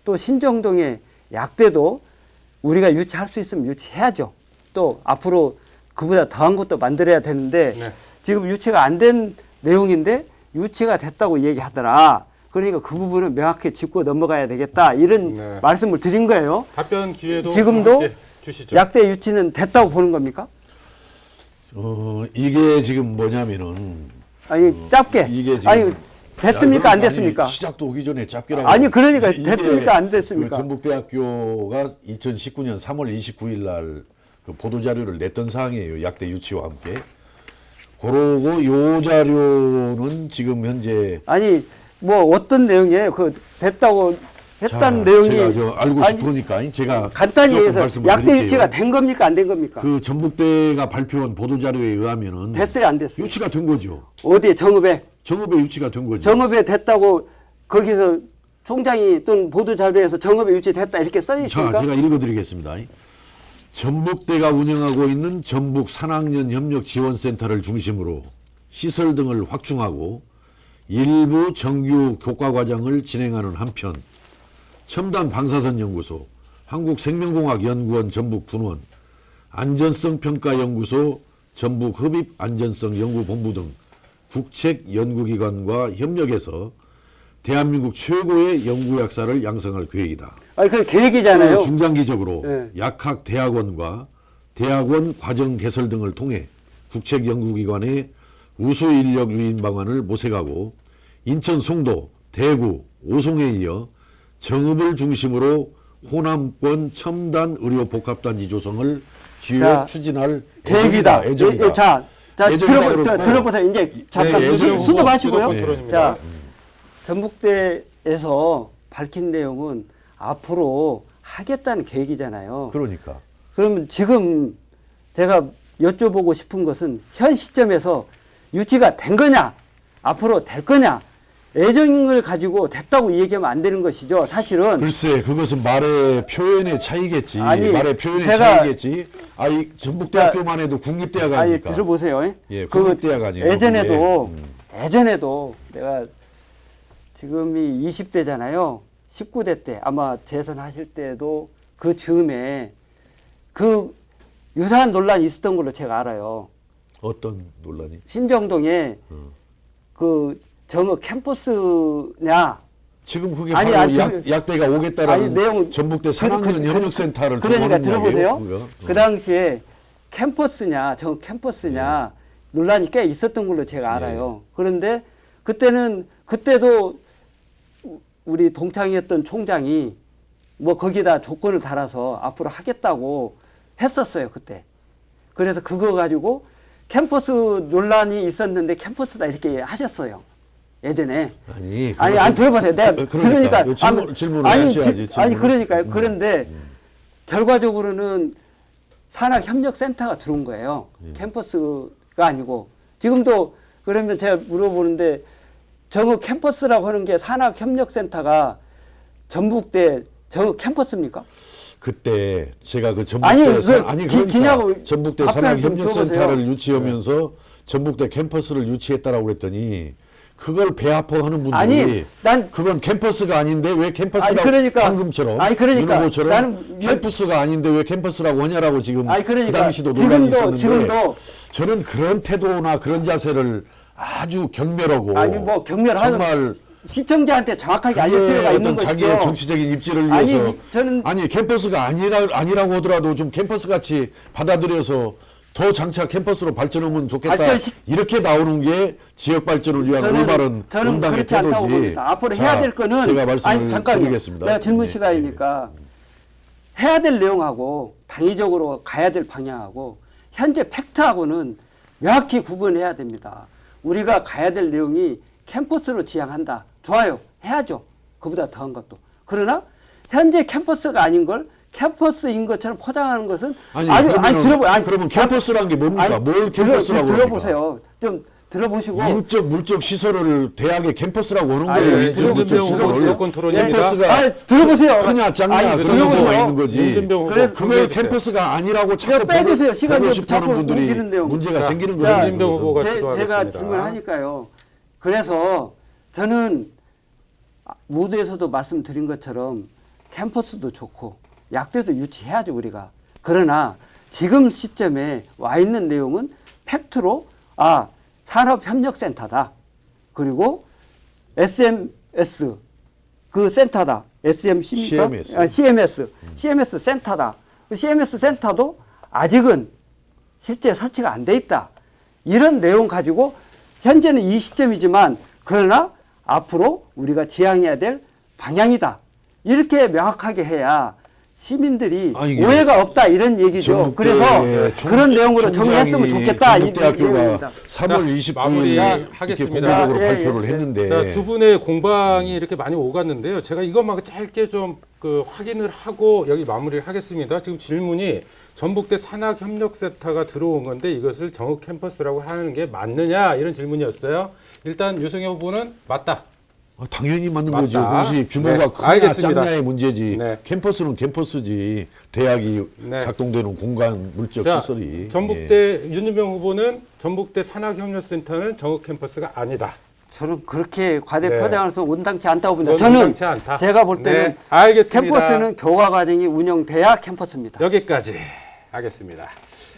또 신정동의 약대도 우리가 유치할 수 있으면 유치해야죠. 또 앞으로 그보다 더한 것도 만들어야 되는데 네. 지금 유치가 안 된 내용인데 유치가 됐다고 얘기하더라. 그러니까 그 부분은 명확히 짚고 넘어가야 되겠다. 이런 네. 말씀을 드린 거예요. 답변 기회도 지금도 함께 주시죠. 약대 유치는 됐다고 보는 겁니까? 이게 지금 뭐냐면은 아니 짧게. 이게 지금 아니 됐습니까? 안 됐습니까? 아니, 시작도 오기 전에 잡기라고. 아니 그러니까 이게 됐습니까? 안 됐습니까? 그 전북대학교가 2019년 3월 29일 날 그 보도 자료를 냈던 사항이에요. 약대 유치와 함께. 그러고 요 자료는 지금 현재 아니 뭐 어떤 내용이에요? 그 됐다고 했다는 자, 내용이 제가 저 알고 아니, 싶으니까 제가 간단히 조금 해서 말씀을 약대 드릴게요. 유치가 된 겁니까? 안 된 겁니까? 그 전북대가 발표한 보도 자료에 의하면은 됐어요? 안 됐어요? 유치가 된 거죠. 어디에 정읍에? 정읍에 유치가 된 거죠. 정읍에 됐다고 거기서 총장이 또는 보도 자료에서 정읍에 유치됐다 이렇게 써 자, 있습니까? 제가 읽어드리겠습니다. 전북대가 운영하고 있는 전북 산학년 협력 지원센터를 중심으로 시설 등을 확충하고 일부 정규 교과 과정을 진행하는 한편 첨단 방사선 연구소, 한국생명공학연구원 전북 분원, 안전성평가연구소 전북 흡입안전성연구본부 등 국책 연구기관과 협력해서 대한민국 최고의 연구약사를 양성할 계획이다. 아니 그 계획이잖아요. 중장기적으로 네. 약학 대학원과 대학원 과정 개설 등을 통해 국책 연구기관의 우수 인력 유인 방안을 모색하고 인천 송도, 대구, 오송에 이어 정읍을 중심으로 호남권 첨단 의료 복합단지 조성을 기획 자, 추진할 계획이다. 예정이다. 자 예정이다 그렇고. 들어보세요. 이제 잠깐 네, 예정 수도 후보, 마시고요. 후보 토론입니다. 자, 전북대에서 밝힌 내용은 앞으로 하겠다는 계획이잖아요. 그러니까 그러면 지금 제가 여쭤보고 싶은 것은 현 시점에서 유치가 된 거냐, 앞으로 될 거냐, 애정을 가지고 됐다고 얘기하면 안 되는 것이죠. 사실은. 글쎄 그것은 말의 표현의 차이겠지. 아니, 말의 표현의 제가- 차이겠지. 아이 전북대학교만 해도 국립대학 아니, 아닙니까? 들어보세요. 예, 그 국립대학 아니에요. 예전에도, 그게. 예전에도 내가 지금이 20대잖아요. 19대 때 아마 재선하실 때도 그 즈음에 그 유사한 논란이 있었던 걸로 제가 알아요. 어떤 논란이? 신정동에 그 정읍 캠퍼스냐. 지금 그게 아니, 바로 아니, 약대가 오겠다라는 아니, 내용 전북대 산학년 협력센터를 그러니까 두고 하는 들어보세요. 이야기예요, 그거? 그 당시에 캠퍼스냐, 정읍 캠퍼스냐 논란이 꽤 있었던 걸로 제가 알아요. 그런데 그때도 우리 동창이었던 총장이 뭐 거기다 조건을 달아서 앞으로 하겠다고 했었어요, 그때. 그래서 그거 가지고 캠퍼스 논란이 있었는데 캠퍼스다 이렇게 하셨어요. 예전에. 아니, 들어보세요. 내가 그러니까 그러니까 질문을 아니, 하셔야지. 아니, 그러니까요. 그런데 결과적으로는 산학협력센터가 들어온 거예요. 캠퍼스가 아니고. 지금도 그러면 제가 물어보는데 정읍 캠퍼스라고 하는 게 산학협력센터가 전북대 정읍 캠퍼스입니까? 그때 제가 그 아니, 전북대 그 기냐고 전북대 답변 좀 산학협력센터를 줘보세요. 유치하면서 전북대 캠퍼스를 유치했다라고 그랬더니 그걸 배합하는 분들이 아니, 난 그건 캠퍼스가 아닌데 왜 캠퍼스라고 아니, 그러니까. 방금처럼 아니, 그러니까. 윤 후보처럼 나는 캠퍼스가 아닌데 왜 캠퍼스라고 하냐라고 지금 아니, 그러니까. 그 당시도 논란이 있었는데 지금도 저는 그런 태도나 그런 자세를 아주 경멸하고 아니 뭐 경멸하는 정말 시청자한테 정확하게 알릴 그게 필요가 있는 어떤 것이죠. 자기의 정치적인 입지를 아니, 위해서 저는 캠퍼스가 아니라고 하더라도 좀 캠퍼스 같이 받아들여서 더 장차 캠퍼스로 발전하면 좋겠다. 이렇게 나오는 게 지역 발전을 위한 올바른 저는 응당의 그렇지 않다고 태도지. 봅니다. 앞으로 해야 될 거는 제가 말씀을 아니 잠깐만요. 드리겠습니다. 내가 질문 네, 시간이니까 해야 될 내용하고 당위적으로 가야 될 방향하고 현재 팩트하고는 명확히 구분해야 됩니다. 우리가 가야 될 내용이 캠퍼스로 지향한다. 좋아요. 해야죠. 그보다 더한 것도. 그러나 현재 캠퍼스가 아닌 걸 캠퍼스인 것처럼 포장하는 것은 그러면 캠퍼스란 게 뭡니까? 뭘 캠퍼스라고 들어보세요. 좀 들어보시고 인적 물적 시설을 대학의 캠퍼스라고 하는 아니, 거예요. 네, 인적 물적 윤준병 후보 시설을. 주도권 토론입니다. 캠퍼스가 들어보세요. 크냐 작냐 아니, 그런 문제가 들어보세요. 있는 거지. 윤준병 후보 그래, 그걸 캠퍼스가 아니라고 자꾸 빼주세요. 시간 보고 좀 싶어하는 자꾸 분들이 옮기는 내용. 문제가 자, 생기는 자, 거예요. 윤준병 후보가 제가 주도하겠습니다. 질문하니까요. 그래서 저는 모두에서도 말씀드린 것처럼 캠퍼스도 좋고 약대도 유치해야죠 우리가. 그러나 지금 시점에 와 있는 내용은 팩트로 산업협력센터다. 그리고 SMS 그 센터다. SMC입니까? CMS. CMS 센터다. 그 CMS 센터도 아직은 실제 설치가 안 돼 있다. 이런 내용 가지고 현재는 이 시점이지만 그러나 앞으로 우리가 지향해야 될 방향이다. 이렇게 명확하게 해야 시민들이 아니, 이게 오해가 없다 이런 얘기죠. 그래서 그런 내용으로 정리했으면 좋겠다. 이 전북대학교가 내용입니다. 3월 29일 마무리하겠습니다. 공개적으로 예, 발표를 예, 예. 했는데 자, 두 분의 공방이 이렇게 많이 오갔는데요. 제가 이것만 짧게 좀 그 확인을 하고 여기 마무리를 하겠습니다. 지금 질문이 전북대 산학협력센터가 들어온 건데 이것을 정읍 캠퍼스라고 하는 게 맞느냐 이런 질문이었어요. 일단 유승엽 후보는 맞다. 당연히 맞는 맞다. 거죠. 그것이 규모가 네, 크냐 알겠습니다. 작냐의 문제지. 네. 캠퍼스는 캠퍼스지. 대학이 네. 작동되는 공간 물적 자, 시설이. 전북대 윤준병 후보는 전북대 산학협력센터는 정읍 캠퍼스가 아니다. 저는 그렇게 과대 네. 표장해서 온당치 않다고 봅니다. 그건 저는 온당치 않다. 제가 볼 때는 네, 알겠습니다. 캠퍼스는 교과 과정이 운영돼야 캠퍼스입니다. 여기까지 하겠습니다.